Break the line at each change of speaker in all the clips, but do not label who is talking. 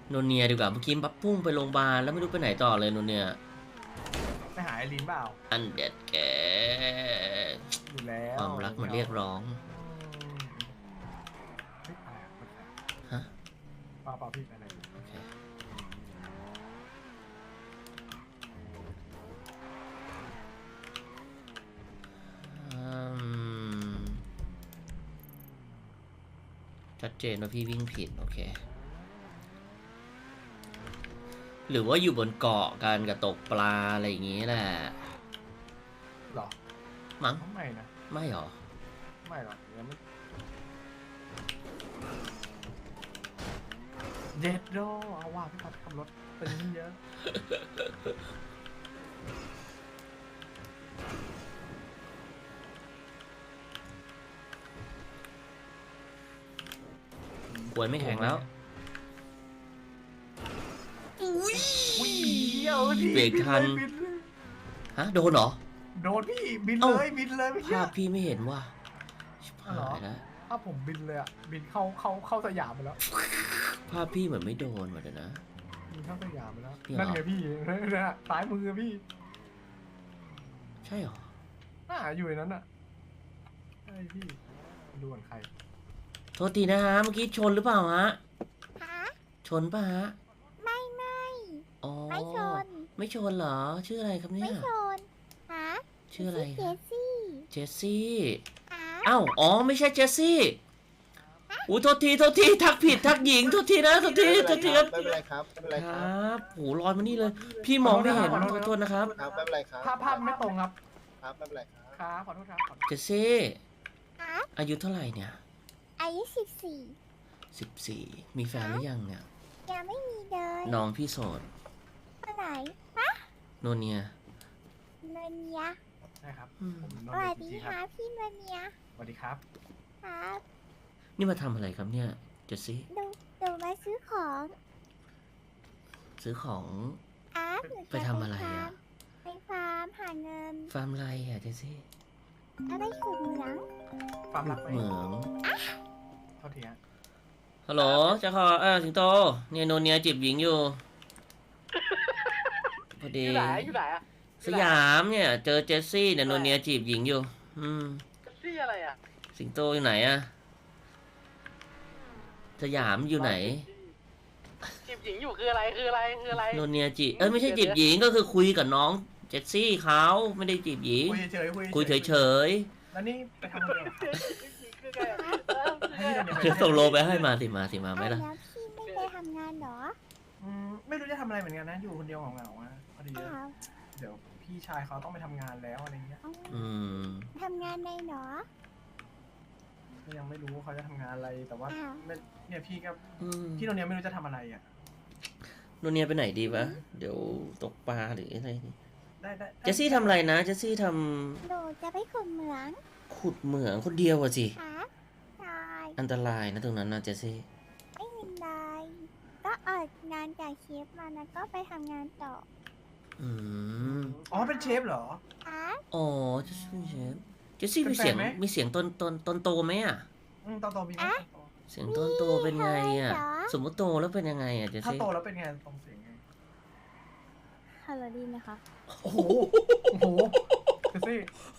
โนเนียดีกว่าเมื่อกี้ปั๊บพุ่งไปโรงพยาบาลแล้วไม่รู้ไปไหนต่อเลยโนเนีย
ไปหาไอรีนเปล่า
อันเด็ดแก
อยู่แล้ว
ความรักมันเรียกร้องฮะ
เปล่าพี่ไปไหน
โอเคชัดเจนว่าพี่วิ่งผิดโอเคหรือว่าอยู่บนเกาะกันกับตกปลาอะไรอย่างงี้แหละ
หรอ
มั้ง
ไม่นะ
ไม่หรอ
ไม่หรอกยังไม่เจ็ดโดเอาว่าพี่พัดขับรถเป็นเยอะ
กวยไม่แข็งแล้ว
อุ้ย
เบรกทันฮะโดนเหรอ
โดนพี่บินเลยบินเลยไม่ใช่
ภาพพี่ไม่เห็นว่าชิบหายแล้ว
ถ้าผมบินเลยอ่ะบินเข้าสยามไปแล้ว
ภาพพี่เหมือนไม่โดนว่ะเดี๋ยวนะ
บินเข้าสยามไปแล้วนั่นไงพี่นะซ้ายมือพี่
ใช่หรอ
อยู่ในนั้นอ่ะใช่พี่ดูเหมือนใคร
โทษทีนะฮะเมื่อกี้ชนหรือเปล่าฮะชนป่ะฮะ
ไม่
อ๋อ
ไม่ชน
ไม่ชนเหรอชื่ออะไรครับเนี่ย
ไม่ชนฮะ
ชื่ออะไร
เจสซี่
เจสซี่อ้าวอ๋อไม่ใช่เจสซี่อู้โทษทีทักผิดทักหญิงโทษทีนะโทษทีครับ
ไม่เป็นไรครับไม่เป็นไร
ครับโหลอยมานี่เลยพี่มองไม่เห็นโทษนะครับ
ครับไม่เป็นไรครับ
ภาพไม่ตรงครับ
ครับไม่เป็นไรครับ
ครับขอโทษครับ
เจสซี่อายุเท่าไหร่เนี่ย
อายุ14
มีแฟนหรือยังเนี่ย
ยังไม่มีเลย
น้องพี่โสด
คนไหนฮะ
โนเนีย
เนเนีย
ใช่ครับ
สวัสดีครับพี่เนเนีย
สวัสดีครับ
ครับ
นี่มาทำอะไรครับเนี่ยเจสซี่
ดูมาซื้อของ
ไปทำอะไรอ่ะ
ไปฟาร์มหาเงิน
ฟาร์มอะไรอ่ะเจสซี่
อะไรขุดเหมือง
ฟาร์มรัก
เหมือง
เท่าทีฮะ
ฮัลโหลเจ้าขอสิงโตเนี่ยโนเนียจีบหญิงอยู่พอดี
อยู่ไหนอะ
สยามเนี่ยเจอเจสซี่เนี่ยโนเนียจีบหญิงอยู่
เจสซี่อะไรอะ
สิงโตอยู่ไหนอะสยามอยู่ไหน
จีบหญิงอยู่คืออะไร
โนเนียจีไม่ใช่จีบหญิงก็คือคุยกับน้องเจสซี่เขาไม่ได้จีบหญิงคุยเฉย
แล้วนี่ไปทำอะไร
จะส่งโลไปให้มาสิมาไหมล่ะ
แล้วพี่ไม่ได้ทำงานหรอ
ไม่รู้จะทำอะไรเหมือนกันนะอยู่คนเดียวเหงาๆพอดีเดี๋ยวพี่ชายเขาต้องไปทำงานแล้วอะไรเงี้ย
ทำงานในหรอ
ก็ยังไม่รู้เขาจะทำงานอะไรแต่ว่าเนี่ยพี่ก็พี่โนเนียไม่รู้จะทำอะไรอ่ะ
โนเนียไปไหนดีวะเดี๋ยวตกปลาหรืออะไร
ได้
เจสซี่ทำอะไรนะเจสซี่ท
ำโดจะไปขุดเหมือง
คนเดียวอะสิ
ใช่
อันตรายนะตรงนั้นนะเจสซี่
ไม่เป็นไรก็ออกงานจากเชฟมานะก็ไปทำงานต่อ
อ๋อเป็นเชฟเหรอ
อ๋อเจสซี่เชฟเจสซี่มีเสียงต้นโตไหมอ่ะ
ตอนโตมีไหม
เสียงต้นโตเป็นไงอ่ะสมมติโตแล้วเป็นยังไงอ่ะเจสซี่
ถ้าโตแล้วเป็นไงตรงเสียงไง
ฮัลโหลดีไหมคะ
โอ้โหเจสซี่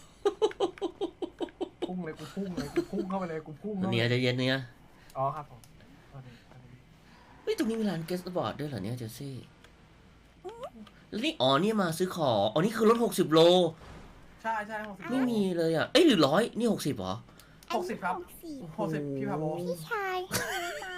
พุ่งเลยกูพุ่งเข้าไปเลยกูพุ่ง
เนี่ยจะเย็นเนี่ย
อ๋อครับผม
เฮ้ยตรงนี้มีร้านเกสต์บอร์ดด้วยเหรอเนี่ยเจสซี่แล้วนี่นี่มาซื้อของนี่คือรถ60 โล
ใช่60
ไม่มีเลยอ่ะหรือ100นี่60เหรอ
60ครับ60พี่พาโบ
พี่ชายให้มา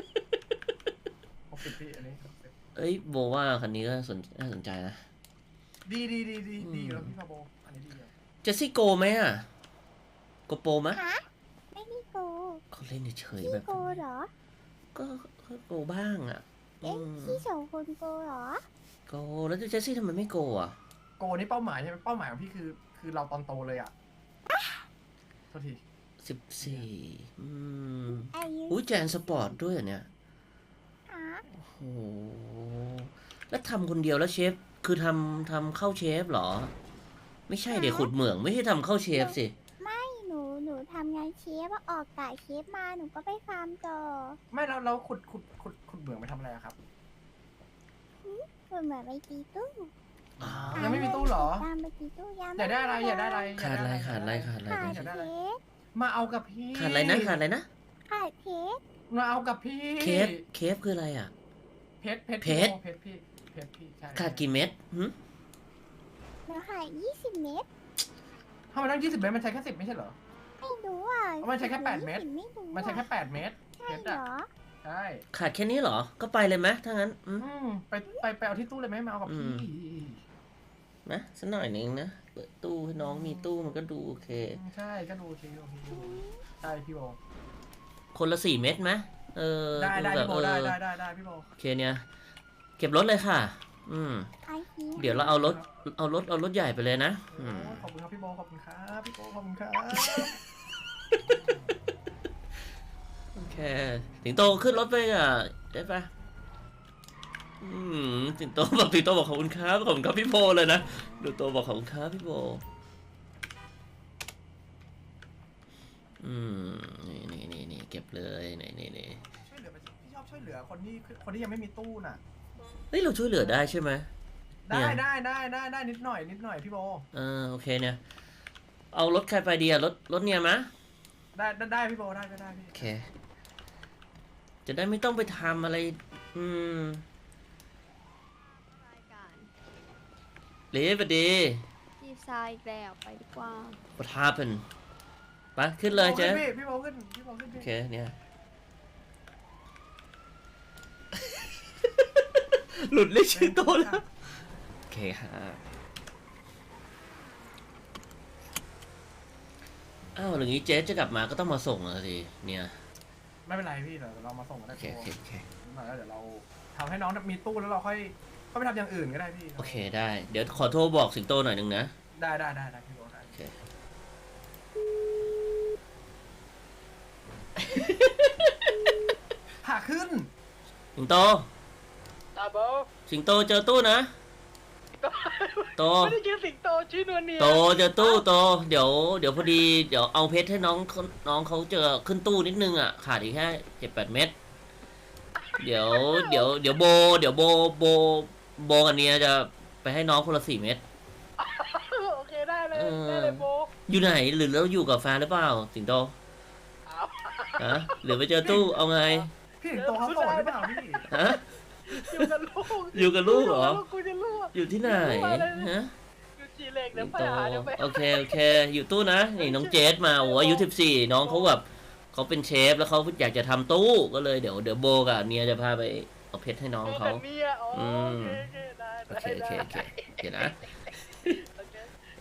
60พี่อันนี้
โบว่าคันนี้ก็น่าสนใจนะ
ดีแล้วพี่พาโบอันนี้ดีเลย
เจสซี่โกไหมอ่ะโกโปไหม
ไม่มีโก
เขาเล่นเฉยแบบ
โกเหรอ
ก็โกบ้างอ่ะ
พี่สองคนโกเหรอ
โกแล้วเจสซี่ทำไมไม่โกอ่ะ
โกนี่เป้าหมายใช่ไหมเป้าหมายของพี่คือเราตอนโตเลยอ่ะโทษที
14อุ้ยแจนสปอร์ตด้วยเนี่ยโอ้โหแล้วทำคนเดียวแล้วเชฟคือทำเข้าเชฟเหรอไม่ใช่เดี๋ยวขุดเหมืองไม่ใช่ทำเข้าเชฟสิ
ไม่หนูทำงานเชฟออกกะเชฟมาหนูก็ไปฟาร์มต่อ
ไม่เราขุดเหมืองไปทำอะไรครับ
เหมือนไปตีตู้
อ๋อ
ยังไม่มีตู้เหรอ
ตามไปตีตู้ยัง
อยากได้อะไรอยากได้อะไร
ขาดอะไรขาดอะไรขาดอะไร
ขาด
อยากได้อะไร
เค้ก
มาเอากับพี่
ขาดอะไรนะขาดอะไรนะ
ขาดเค้ก
มาเอากับพี่
เคฟคืออะไรอ่ะ
เพชร
เพชร
เพชรพี่เพชรพี่ใช่
ขาดกี่เม็ดหึ
หนูขาย20 เม็ด
ทำไมต้อง20 เมตรมันใช้แค่10ไม่ใช่เหรอ
ไม่รู้อ่ะ
มันใช้แค่8เม็ด
ไม่รู้
มันใช้แค่8 เมตร
ใช่
เพชร
เหร
อะ
อ
ใช่
ขาดแค่นี้เหรอ ก็ไปเลยไหมถ้างั้น
ไปเอาที่ตู้เลยไหมมาเอากับพี่
นะสักหน่อยหนึงนะเปิดตู้ให้น้องมีตู้มันก็ดูโอเค
ใช่ก็ดูโอเคโอเคใช่พี่โบ
คนละ4 เม็ดไหมเออ
ได้
แบบ
พี่โบได้พี่โบ
โอเคเนี่ย เก็บรถเลยค่ะ
ไอ้ที
เดี๋ยวเราเอารถใหญ่ไปเลยนะ
โอ้ยขอบคุณครับพี่โบขอบคุณครับพี่โบขอบคุณครับ
โอเคสิงโตขึ้นรถไปอ่ะได้ปะสิงโตบอกขอบคุณครับขอบคุณครับพี่โพเลยนะดูโตบอกขอบคุณครับพี่โพนี่เก็บเลยนี่
ช่วยเหลือไปพี่ชอบช่วยเหลือคนที่ยังไม่มีตู้น่ะ
เฮ้ยเราช่วยเหลือได้ใช่ไหม
ได้นิดหน่อยพี่โบ
โอเคเนี่ยเอารถใครไปดีอะรถเนี่ยมะ
ได้พี่โบได้ก็ได้พี่
โอเค จะได้ไม่ต้องไปทำอะไร
รายการ
เละไปดี
จีบทรายอีกแล้วไปดีกว่า
What happened ไปขึ้นเลยเจ๊
พี่โบขึ้นพี่
โอเคเนี่ย หลุดเรียกชื่อโตแล้ว โอเคฮะอ้าวอย่างนี้เจ๊จะกลับมาก็ต้องมาส่งแล้วสิเนี่ย
ไม่เป็นไรพี่เดี๋ยวเรามาส่งกันได้
โอเค
พี่โบแล้วเดี๋ยวเราทำให้น้องมีตู้แล้วเราค่อยไปทำอย่างอื่นก็ได้พี่
โอเคได้ เดี๋ยวขอโทรบอกสิงโตหน่อยหนึงนะ
ได้พี่โบได้
โอเค
ผ่าขึ้น
สิงโต
ตาโบ
สิงโตเจอตู้นะ โต
ไม่ได้ชื่อสิงโตชื่อนวลเนีย
โตเจอตู้โตเดี๋ยวพอดีเดี๋ยวเอาเพชรให้น้องเขาเจอขึ้นตู้นิดนึงอ่ะขาดอีกแค่7-8 เม็ดเดี๋ยวโบกับเนียจะไปให้น้องคนละ4 เม็ด
โอเคได้เลยโบ
อยู่ไหนหรือเราอยู่กับแฟนหรือเปล่าสิงโต
เอา
ฮะหรือไปเจอตู้เอาไง
พี่ถึงโตเขาโสดหรือเปล่าพี่
ฮะ
อยู่กับลูก
อยู่กับลูกเหรอ
กูจะลูก
อยู่ที่ไหนฮะ
อยู่จีเล็ก
สิ
เดี๋ยว
ง
ไป
โต
หาเดี๋ยวไป
โอเคอยู่ตู้นะนี่น้องเจสมาโอ้อายุ14น้องเขาแบบเขาเป็นเชฟแล้วเขาอยากจะทำตู้ก็เลยเดี๋ยวโบกับเนียจะพาไปเอาเพชรให้น้อง
โบ
เขา
กับเมียอ๋อโอเคได้
โอเคเดี๋ยวนะ
โอเค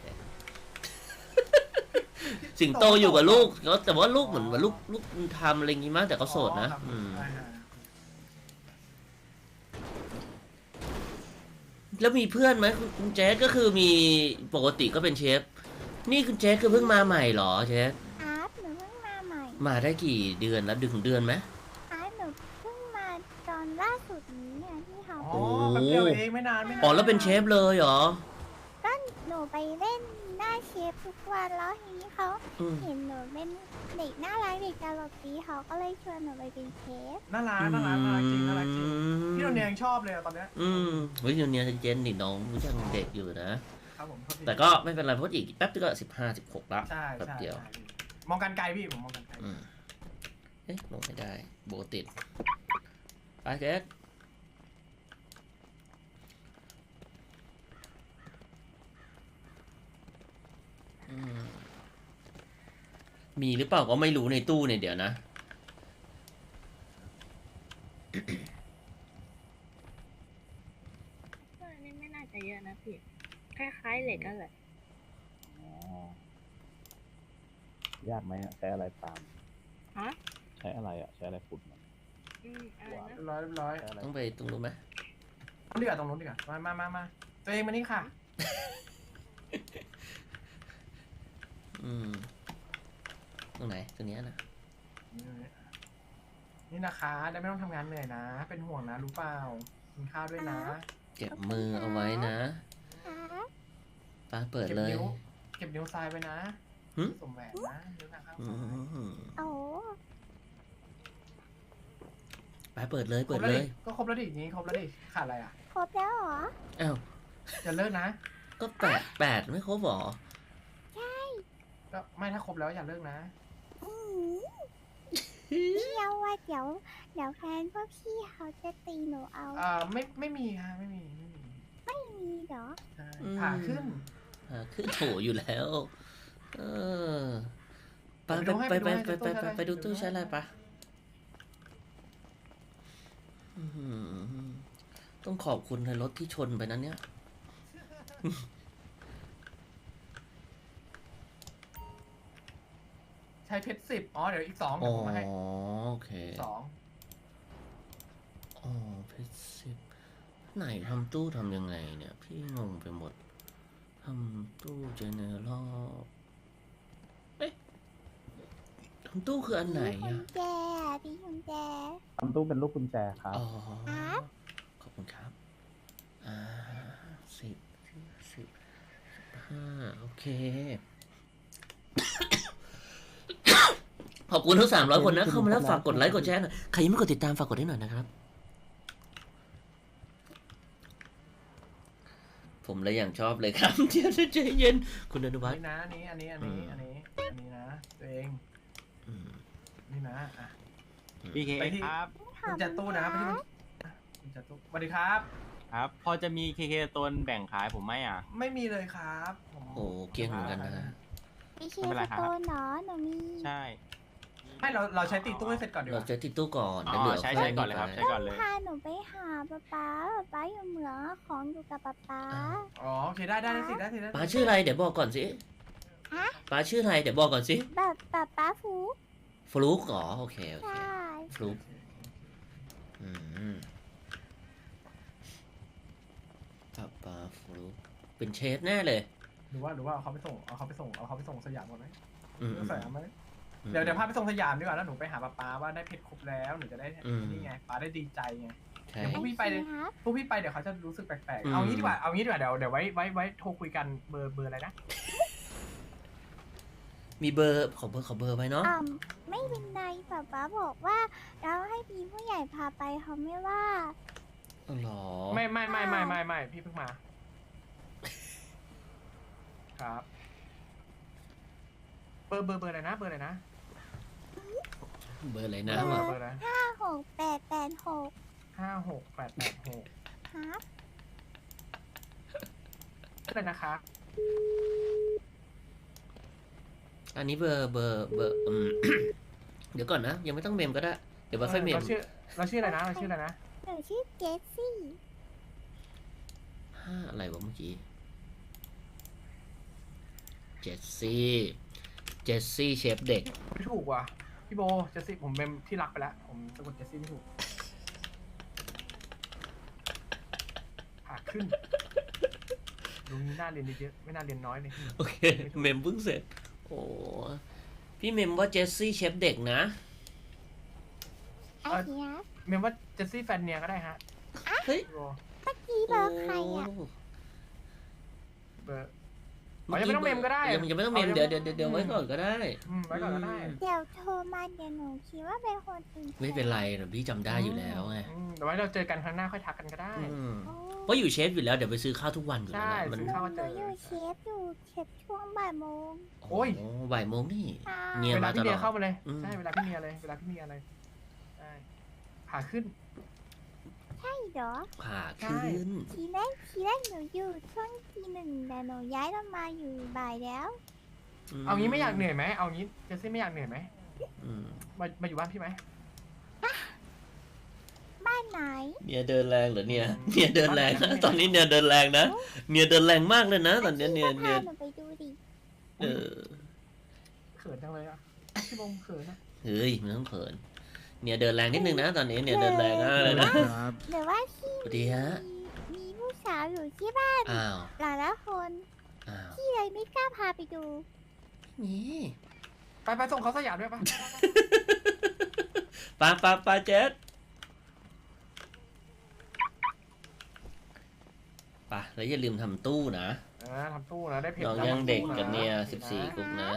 สิงโตอยู่กับลูกแต่ว่าลูกเหมือนว่าลูกมันทำอะไรงี้มั้งแต่เขาโสดนะ แล้วมีเพื่อนไหมคุณเจสก็คือมีปกติก็เป็นเชฟนี่คุณเจสคือเพิ่งมาใหม่เหรอเจส
อาร์ตหนูเพิ่งมาใหม่
มาได้กี่เดือนแล้วถึงเดือนไหม
อาร์ตหนูเพิ่งมาตอนล่าสุดนี้เนี่ยที่เขา
อ๋อแป๊บเดียวเองไม่นาน
อ๋อแล้วเป็นเชฟเลยเหรอ
ก็หนูไปเล่นหน้าเชฟทุกวันแล้วทีนี้เขา
อืม
เห็นหนูเป็นเด็กน่ารักเด็กตลกดีเขาก็เลยชวนหนูไปเป็นเชฟ
น่ารักจริงพี่โดนเนียยังชอบเลยตอนเนี้ย
เฮ้ยเนียเจนนี่น้องยังเด็กอยู่นะ
ครับผม
แต่ก็ไม่เป็นไรเพราะอีกแป๊บนึงก็15-16ละ
ใช่
แป๊บเดียว
มองกันไกลพี่ผมมองกันไกล
เอ๊ะลงไม่ได้โบติดไปเจสมีหรือเปล่าก็ไม่รู้ในตู้เนี่ยเดี๋ยวนะ
ก็อันนี้ไม่น่าจะเยอะนะพี่ คล้ายๆเหล็กกันแหละ
ยากไหมอะใช้อะไรตาม
ฮะ
ใช้อะไรอ่ะ ใช้อะไรขุดมัน
อะไรนะ
เรียบร้อย
ใช้อะไร
ต้องไปตรงนู้นไหม
ดีกว่าตรงนู้นดีกว่ามาตัวเองมานี่ค่ะ
ตรงไหนตรงเนี้ยนะ
นี่นะคะได้ไม่ต้องทำงานเหนื่อยนะ เป็นห่วงนะรู้เปล่ากินข้าวด้วยนะ
เก็บมือเอาไว้นะ
อาร์ต
ป้าเปิดเลย
เก็บนิ้วทรายไปนะ
หึ
สวมแหวนนะนิ้วนะครับ
โอ้
ป้าเปิดเลย
ก็ครบแล้วดินี้ครบแล้วดิขาดอะไรอ่ะ
รบแล้วเหรอ
อ้าว
จะเลิกนะ
ก็แปดไม่ครบหรอ
ก็ไม่ถ้าครบแล้วอย่าเลิกนะ
อืมพี่เอาว่าเดี๋ยวแฟนพวกพี่เขาจะตีหนูเอา
ไม่มีค่ะไม่มี
ไม่มีเหรอ
ใช่ผ่าขึ้น
ขึ้นโถอยู่แล้ว เออไป
ไปดูให้
ไปดูตู้
ใช้
ใช้
อะไร
อะไรปะอื้อหือต้องขอบคุณในรถที่ชนไปนั้นเนี่ย
ใช้เพชร10อ๋อเดี๋ยวอีก2
อ๋
เดี๋
อ
ยวผมมาให้
โอเค
2
อ๋อเพชรสิบไหนทำตู้ทำยังไงเนี่ย พี่งงไปหมดทำตู้เจเนอเรลเอ๊ะทำตู้คืออันไหน
พี่กุ
อะ
ญแจพี่กุญแจ
ทำตู้เป็นลูกกุญแจครับ
อ๋อ
ครับ
ขอบคุณครับ15 โอเค ขอบคุณทั้ง300 คนนะ เข้ามาแล้วฝากกดไลค์กดแชร์หน่อย ใครยังไม่กดติดตามฝากกดให้หน่อยนะครับ ผมเลยอย่างชอบเลยครับ เดี๋ยวใจเย็น คุณอนุวัฒน์
นี่นะอันนี้นะตัวเอง
อืม
นี่นะอ่ะ
PK
ไปที่
ครับ
คุณจัดตู้นะไปที่คุณจัดตู้สวัสดีครับ
ครับ พอจะมี KK ตัวแบ่งขายผมไหมอ่ะ
ไม่มีเลยครับผม
โอ้เกลี้ยงเหมือนกันนะฮะ
พี่เค
ไม่เป็นไร
ส
ครับ
โตนเหรอหนูมี
ใช่
ให้เราใช้ตีตู้ให้เสร็จก่อนดีก
เรา
ว่า
จะติดตู้ก่อน
อ๋
เดี๋ยวเหลื
อ
อ
ใช้
ค่
ใช้
ย
ก่อนเลยครับ
ไป
ใช้ก่อนเลย
พาหนูไปหาป๊าอยู่เหมืองอะของอยู่กับป๊า
อ๋อโอเคได้สิได้
ป้าชื่ออะไรเดี๋ยวบอกก่อนสิ
ฮะ
ป้าชื่ออะไรเดี๋ยวบอกก่อนสิ
แบบป๊าฟู
ฟลุกเหรอโอเคโอเค
ใช่
ฟลุกอืมป้าฟลุกเป็นเชฟแน่เลย
หรือว่าเอาเขาไปส่งสยามก่อนไหม
อืม
สยามไหมเดี๋ยวพาไปส่งสยามดีกว่าแล้วหนูไปหาป๊าว่าได้เพชรครบแล้วหนูจะได้นี่ไงป๊าได้ดีใจไง
ใช่
เดี๋ยวพวกพี่ไปเลย
โอเคครับ
พวกพี่ไปเดี๋ยวเขาจะรู้สึกแปลก
อืม
ๆเอางี้ดีกว่าเดี๋ยวไว้โทรคุยกันเบอร์อะไรนะ
มีเบอร์ขอเบอร์ไว้เนาะ
ไม่เป็นไรป๊าบอกว่าเราให้มีผู้ใหญ่พาไปเขาไม่ว่า
อ๋อเหรอ
ไม่พี่เพิ่งมาครับเบอร์อะไรนะ
เบอร์อะไรนะ
เบอร์อะไร
5886
56 886
ครับ
อะไรนะคะ
อันนี้เบอร์ เดี๋ยวก่อนนะ ยังไม่ต้องเมมก็ได้ เดี๋ยวมาค่อยเมม
เราชื่ออะไรนะเราชื่ออะไรนะ
หนูชื่อเจสซี่
อะไรวะเมื่อกี้เจสซี่เชฟเด็ก
ไม่ถูกว่ะพี่โบเจสซี่ผมเป็นที่รักไปแล้วผมสะกดเจสซี่ไม่ถูกหาขึ้นลุงนี้น่าเรียนเยอะไม่น่าเรียนน้อยเลย
โอเค เมมเพิ่งเสร็จ โอ้พี่เมมว่าเจสซี่เชฟเด็กนะ
ไอ้เหี้ย
เมมว่าเจสซี่แฟนเนียก็ได้ฮะ
เฮ้ย
พี่โบ
พี่เบอร์ใครอ่ะ
เบอร์ ยังไม่ต้องเมมก็ได้
ยังไม่ต้องเมมเดี๋ยวไว้ก่อนก็ได้
ไว้ก่อนก็ได้
เดี๋ยวโทรมาเดี๋ยวหนูคิดว่าเป็นคนอื่น
ไม่เป็นไรหรอกพี่จำได้อยู่แล้วไง
เดี๋ยวไว้เราเจอกันครั้งหน้าค่อยทักกันก็ได้
อืม
โอ้
เพราะอยู่เชฟอยู่แล้วเดี๋ยวไปซื้อข้าวทุกวันอยู่แล้ว
ใช่
นะมัน
ซื้อข้าว
หนูอยู่เชฟช่วงบ่ายโมง
โอ้ย
บ่ายโมงนี่
ค่ะ
เนี่ย
เวลาพี่เมีย
มาตลอด
เข้ามาเลย
อืม
ใช่เวลาพี่เมียเลยใช่ขาขึ้น
ใช่เหรอ
ผ่าขึ้น
ทีแรกหนูอยู่ช่วงที 1แต่หนูย้ายลงมาอยู่บ่ายแล้ว
เอางี้ไม่อยากเหนื่อยไหมเอางี้เจสซี่ไม่อยากเหนื่อยไหม
อืม
มาอยู่บ้านพี่ไหม
บ้านไหน
เนี่ยเดินแรงเหรอเนี่ยเนี่ยเดินแรงนะตอนนี้เนี่ยเดินแรงนะเนี่ยเดินแรงมากเลยนะตอนเนี้ยเนี่ย
พี่ก็พาหนูไปดูดิ
เออ
เขินจังเลยอ่ะพี่บงเขินอ่ะ
เฮ้ยมันต้องเขินเนี่ยเดินแรงนิดนึงนะตอนนี้เนี่ยเดินแรงมากเลยนะ
หรือว่าพี่
สวัสดีฮะ
มีผู้สาวอยู่ที่บ้าน
อ้าว
หลายละคน
อ้าว
พี่เลยไม่กล้าพาไปดู
นี่
ไปส่งเขาสยามด้วยปะ
ปาเจ็ดปะแล้วอย่าลืมทำตู้นะ
ทำตู้นะได้เพจ
น้องยังเด็กกันเนี่ย14กุ๊กนะ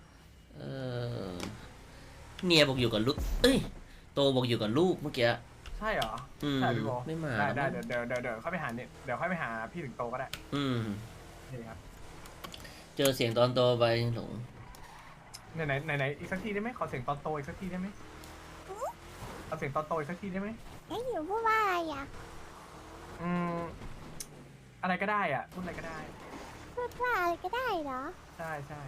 เนี่ยบอกอยู่กับลูกเอ้ยโตบอกอยู่กับลูกเมื่อกี้
ใช่เหรอ
อืม
ใช่พี่โบ
ไม่มา
ได้
แล้ว
เดี๋ยวค่อยไปหาเนี่ยเดี๋ยวค่อยไปหาพี่ถึงโตก็ได้
อืม
นี่ครับ
เจอเสียงตอนโตไปหลง
ไหนอีกสักทีได้ไหมขอเสียงตอนโตอีกสักทีได้ไหมเอาเสียงตอนโตอีกสักทีได้ไหม
ไอ้หนูพูดว่าอะไรอ่ะ
อืมอะไรก็ได้อ่ะพูดอะไรก็ได้
พูดว่าอะไรก็ได้เหรอ
ใช่ใช่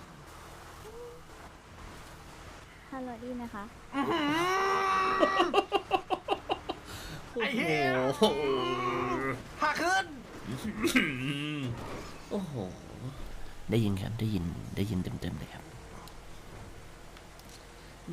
ฮัลโหลดีนะคะ
ไอ้เหี้ย
โอ้โห
พาขึ้น
โอ้โห ได้ยินครับ ได้ยินเต็มๆเลยครับแหม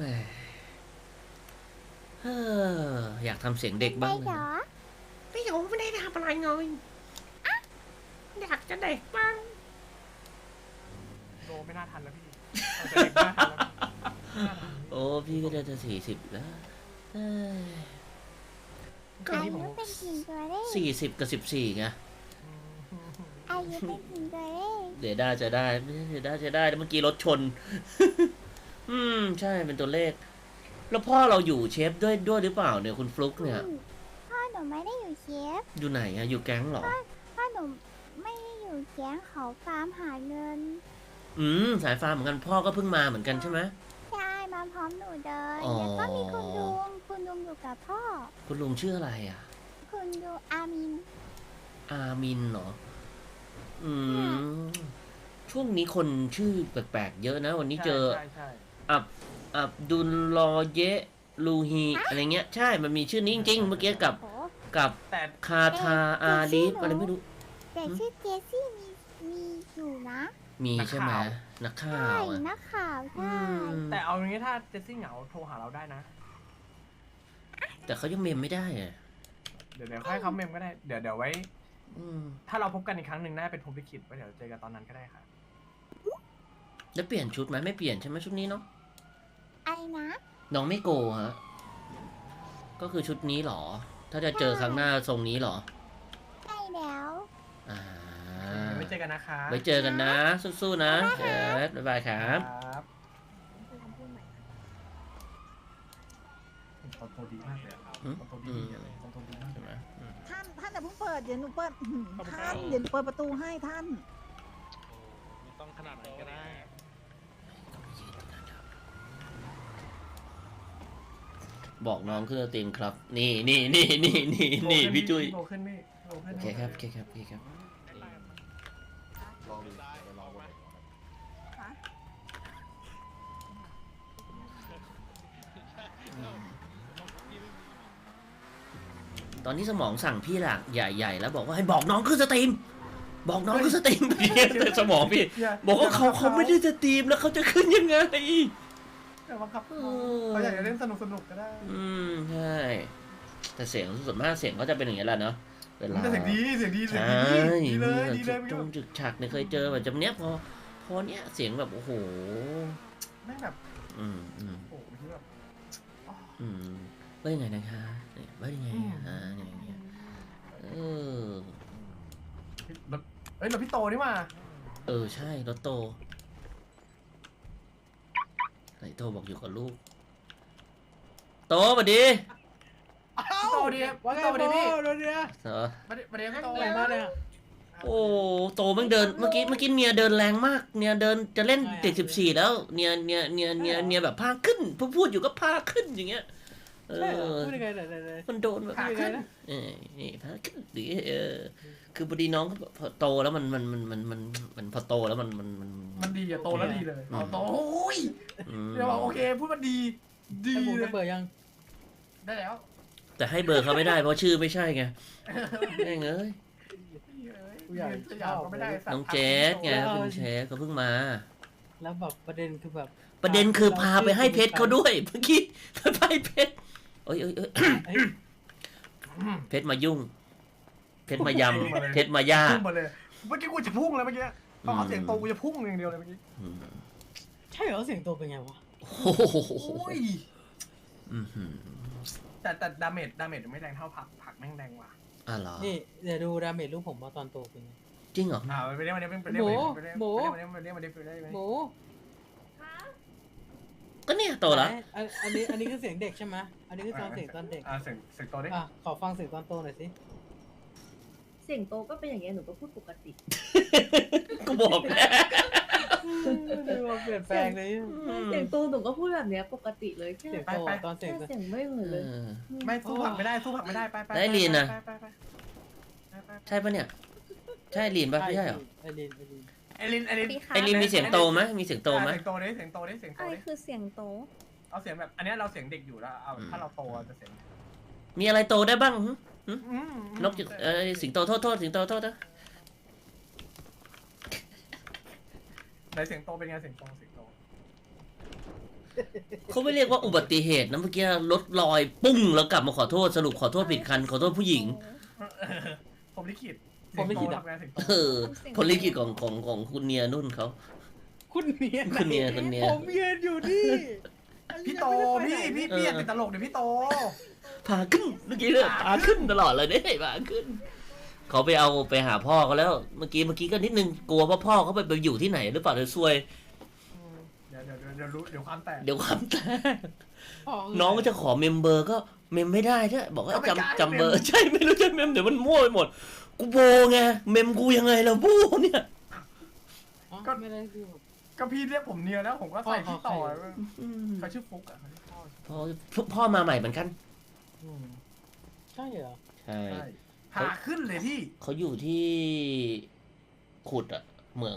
เฮ้ออยากทำเสียงเด็ก
ได้
บ้างเล
เหร
ย
อ
พี่หยงไม่ได้ทำอะไรเลยอยากจะเด็กบ้าง
โตไม่น่าทันแล้วพี่เราจะเด็กไม่น่าทันแล้วพี่ไม่น่าทัน
โอ้พี่ก็จะ40แล้วเอ้ย
คืน
อา
นี้ผ
ยุ
ม
เป็นสิ่งตัวเลข
40 กับ 14ไง
อายุเป็นสิ่งตัวเลข
เดี๋ยวได้จะได้ไม่ใช่เดี๋ยวได้จะได้แล้วเมื่อกี้รถชน อืม ใช่เป็นตัวเลข แล้วพ่อเราอยู่เชฟด้วยหรือเปล่าเนี่ยคุณฟลุ๊กเนี่ย
พ่อหนูไม่ได้อยู่เชฟ
อยู่ไหนอะอยู่แก๊งเหรอ
พ่อหนูไม่ได้อยู่แก๊งเขาฟาร์มหาเงิน
อืม สายฟ้าเหมือนกันพ่อก็เพิ่งมาเหมือนกันใช่ไหม
ใช่มาพร้อมหนูเลย
อ๋อ
แล้วก็มีคุณลุงอยู่กับพ่อ
คุณลุงชื่ออะไรอะ
คุณลุงอามิน
อามินเหรอ อืม ช่วงนี้คนชื่อแปลกๆเยอะนะ วันนี้เจอ
ใช่ใช่
อับดุลลอเยะลูฮีอะไรเงี้ย ใช่ มันมีชื่อนี้จริงๆ เมื่อกี้กับ
โอ้
แต่
คาทาอาลีฟอะไรไม่รู้
แต่ชื่อเจสซี่มีอยู่นะ
มีใช่ไหมนักข่า
ใช่
วอะ
นักข่าว
อื
ใช่
ม
แต่เอาอย่างนี้ถ้าเจสซี่เหงาโทรหาเราได้นะ
แต่เขายังเมมไม่ได้อะ
เดี๋ยวค่อยเขาเมมก็ได้เดี๋ยวไว้
อืม
ถ้าเราพบกันอีกครั้งหนึ่งน่าเป็นพรหมลิขิตไว้เดี๋ยวเจอกันตอนนั้นก็ได้ค่ะ
แล้วเปลี่ยนชุดไหมไม่เปลี่ยนใช่ไหมชุดนี้เนาะ
ไอ้นะ
น้องไม่โกฮะ ก็คือชุดนี้เหรอ ถ้าจะเจอครั้งหน้าทรงนี้เหรอ
ใช่แล้ว
อ่า
ไว้เจอกันนะคะ
ไว้เจอกันนะ สู้ๆนะเอิร์ธบ๊ายบายครับ
ครับตอนโตดีมากเลยอะ
อืม
ตอนโตดีเลยตอนโตดีมาก
ใช่ไหมอืม
ท่านอย่าเพิ่งเปิดเดี๋ยวหนูเปิดท่านเดี๋ยวหนูเปิดประตูให้ท่าน
ต้องขนาดไหนก็ได้
บอกน้องขึ้นสตรีมครับ นี่พี่จุ้ย
โตขึ้นพี่โตขึ้น
โอเคครับโอเคครับโอเคครับ
ลองดูไปลองดู
ตอนนี้สมองสั่งพี่หลักใหญ่ๆแล้วบอกว่าให้บอกน้องขึ้นสตรีม บอกน้องขึ้นสตรีม แต่สมองพี่ บอกว่าเขาไม่ได้สตรีมแล้วเขาจะขึ้นยังไง
แต่บังคับเขาอยากจะเล่นสนุกก็ได้
อืมใช่ แต่เสียงส่วนมากเสียงก็จะเป็นอย่างนี้แหละเนาะเวลา
แต่เสียงดีเสียงดีเสียง
ใช่
ดีดีเลยดีเลย
จงจึกฉักเนี่ยเคยเจอแบบจำเนี้ยพอเนี้ยเสียงแบบโอ้โห
แม่งแบบ
อืม
โอ้โหที่แบบ
ว่ายังไงนะคะเนี่ยว่ายังไงอย่างเงี้ยเออ
เราพี่โตนี่มา
ใช่รถโตไหนโตบอกอยู่กับลูก โตมาดี
พี่โตดีพี่โตดีพี่
เหรอ
มาดีพี่โต
อะไรมาเนี่ย
โอ้โตมันเดินเมื่อกี้เนียเดินแรงมากเนียเดินจะเล่นเด็ก14แล้วเนียแบบพาขึ้นพูดอยู่ก็พาขึ้นอย่างเงี้ย
พูดยังไงไหน
มันโดนแบบพาขึ้นนี่พาขึ้นดิคือพอดีน้องพอโตแล้วมันพอโตแล้ว
มันดีอะโตแล้วดีเลยโตโอ้ยเดี๋ยวบอกโอเคพูดมันดีดี
ไอ้บูม
เล
จะ
ย
เปิดยัง
ได้แล้ว
แต่ให้เบอร์เขาไม่ได้เพราะชื่อไม่ใช่ไงแม่งเอ้ย
สยามก็ไม่ได้
น้องเจสไงคุณเชฟเขาเพิ่งมา
แล้วแบบประเด็นคือแบบ
ประเด็นคือพาไปให้เพชรเขาด้วยเมื่อกี้ไปให้เพชรเอ้ยเพชรมายุ่ง เพชรมายำเพชรมาย่า
พุ่งมาเลยเมื่อกี้กูจะพุ่งแล้วเมื่อกี้พอเขาเสียงโตกูจะพุ่งอย่างเดียวเลยเมื่อกี้
ใช่เหรอเสียงตัวเป็นไงวะ
โอ้โห
โอ้ยแต่ดาเมจไม่แรงเท่าผักแม่งแรงกว่า
เหรอ
นี่เดี๋ยวดูดาเมจลูกผมว่าตอนโตเป็นไง
จริงเหรอ
ไปเรียกมาเรียกมาเรียกมาเรียกมาเรียกมาเรียกมาเรียกมาเรียกมาเรียกมา
หมู
ก็เนี่ยโตแล้ว
อันนี้คือเสียงเด็กใช่ไหมอันนี้คือเสียงตอนเด็ก
เสียงโตดิ
อ่ะขอฟังเสียงตอนโตหน่อยสิ
เสียงโตก็เป็นอย่างเงี้ยหนูก็พูดปกติ
กูบอกแล้ว
ดูว่าเปลี่ยนแปลงเลย
เสียงโตหนูก็พูดแบบเนี้ยปกติเลยแค่
เสียงโตตอนเสียง
แค่เสียงไม่เหมือน
เอ
เลย
อ
ไม่สู้ผักไม่ได้สู้ผักไม่ได้ไปไป
ได้ลีนนะ
ไป
ใช่ปะเนี่ย ใช่ลีนปะไม่ใช่เหรอ
ไอริน
ไอริน
ไอลีนมีเสียงโตไหมมีเสียงโตไหม
เสียงโตดิเสียงโตดิเสียงโต
อะไร
ดิ
คือเสียงโต
เอาเสียงแบบอันเนี้ยเราเสียงเด็กอยู่แล้วเอาถ้าเราโตจะเสียง
มีอะไรโตได้บ้างหึ
อืม
นกจุดสิงโตโทษสิงโตโทษนะ
ไหนเสียงโตเป็นไงเสียงโต
เขาไม่เรียกว่าอุบัติเหตุนะเมื่อกี้รถลอยปุ้งแล้วกลับมาขอโทษสรุปขอโทษผิดคันขอโทษผู้หญิง
ผมลิขิต
ผมไม่คิดอ่ะ
ทำงานเสียงโต
เออผลลิขิตของคุณเนียนุ่นเขา
คุณเนีย
คุณเนีย
ผมยืนอยู่นี่
พี่โตพี่ติดตลกเดี๋ยวพี่โต
พาขึ้นเมื่อกี้เลยพาขึ้นตลอดเลยเนี่ยพาขึ้นเขาไปหาพ่อเขาแล้วเมื่อกี้ก็นิดนึงกลัวว่าพ่อเขาไปอยู่ที่ไหนหรือเปล่าเดี๋ยวซวย
เดี๋ยวรู้เดี๋ยวความแตก
เดี๋ยวความแตกน้องก็จะขอเมมเบอร์ก็เมมไม่ได้ด้วยบอกว่า
ก็ไม่กล้า
จำเบอร์ใช่ไม่รู้จะเมมเดี๋ยวมันมั่วไปหมดกูโบไงเมมกูยังไงล่ะโบเนี่ย
ก็ไม่ได้ดู
ก็พี่เรียกผมเนียแล้วผมก็ใส่พี่ต่อ
อืม
เขาชื่อฟุกอ่ะเขาชื่อพ่อ
พ่อมาใหม่เหมือนกัน
ใช่เหรอ
ใช่
ใช่พาขึ้นเลยพี่
เขาอยู่ที่ขุดอะเหมือง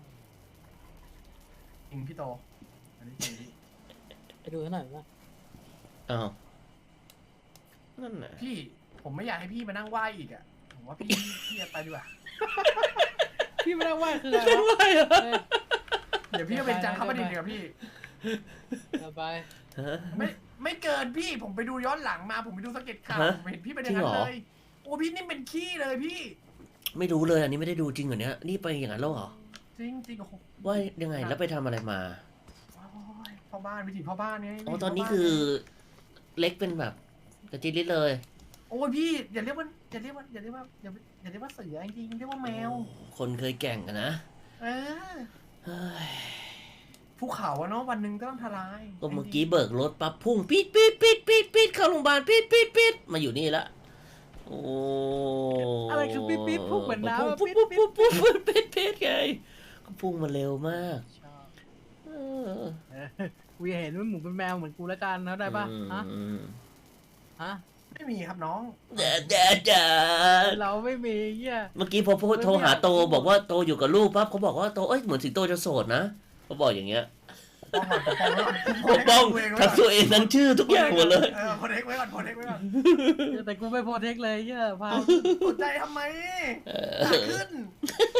จริงพี่โตอันนี้จริงพี่
ไปดูหน่อยว่า
อ้าวนั่นน่ะ
พี่ผมไม่อยากให้พี่มานั่งไหวอีกอ่ะผมว่าพี่จะไปดีกว่า
พี่ไม่ได้ว่าคืออะไร
ไม่ไหวเหรอ
เดี๋ยวพี่ก็เป็นจังเข้าประเด็นดีกว่าพี่
ไป
ฮะ
ไม่เกินพี่ผมไปดูย้อนหลังมาผมไปดูสเก็ตข่าว
ฮะ
ผมเห็นพี่เป็นอย่างนั้น
จริงเหรอ
เลยโอ้พี่นี่เป็นขี้เลยพี่
ไม่รู้เลยอันนี้ไม่ได้ดูจริงเหรอเนี้ยนี่ไปอย่างนั้นแล้วเหรอ
จริงจริงโอ้โห
ว่ายังไงแล้วไปทำอะไรมา
โอ้ยพ่อบ้านวิถีพ่อบ้านไง
อ๋อ
วิถี
ตอนนี้
พ่บ้า
คือเล็กเป็นแบบกระจิลิดเลย
โอ้ยพี่อย่าเรียกว่าเสือจริงๆเรียกว่าแมว
คนเคยแก่งอะนะ
เออ
เฮ้ย
ภูเขาอะเนาะวันหนึ่งก็ต้องทลาย
ก็เมื่อกี้เบิกรถปั๊บพุ่งปี๊ดปี๊ดปี๊ดปี๊ดปี๊ดเข้าโรงพยาบาลปี๊ดปี๊ดปี๊ดมาอยู่นี่ละโอ้
อะไรคือปี๊ดปี๊ดพุ่งเหมือนน้ำ
ปุ๊บปุ๊บปุ๊บปุ๊บปุ๊บปี๊ดปี๊ดไงก็พุ่งมาเร็วมากเออ
กูอยากเห็นว่าหมูเป็นแมวเหมือนกูแล้วกันนะได้ปะฮะ
อืม
ฮะ
ไม่มีครับน้อง
เด้อเด้อเด้อ
เราไม่มีเหี้ย
เมื่อกี้พอโทรหาโตบอกว่าโตอยู่กับลูกปั๊บเขาบอกว่าโตเอ้ยเหมือนสิงโตจะโสดนะเขาบอกอย่างเงี้ยปกป้องทั้งตัวเองทั้งชื่อทุกอย่างหมดเลย
โพเทคไว้ก่อนโพเทคไว้ก่อน
แต่กูไม่โปรเทคเลยเหี้ยพา
สนใจทำไม
เอ
ขา
อ
ขึ้น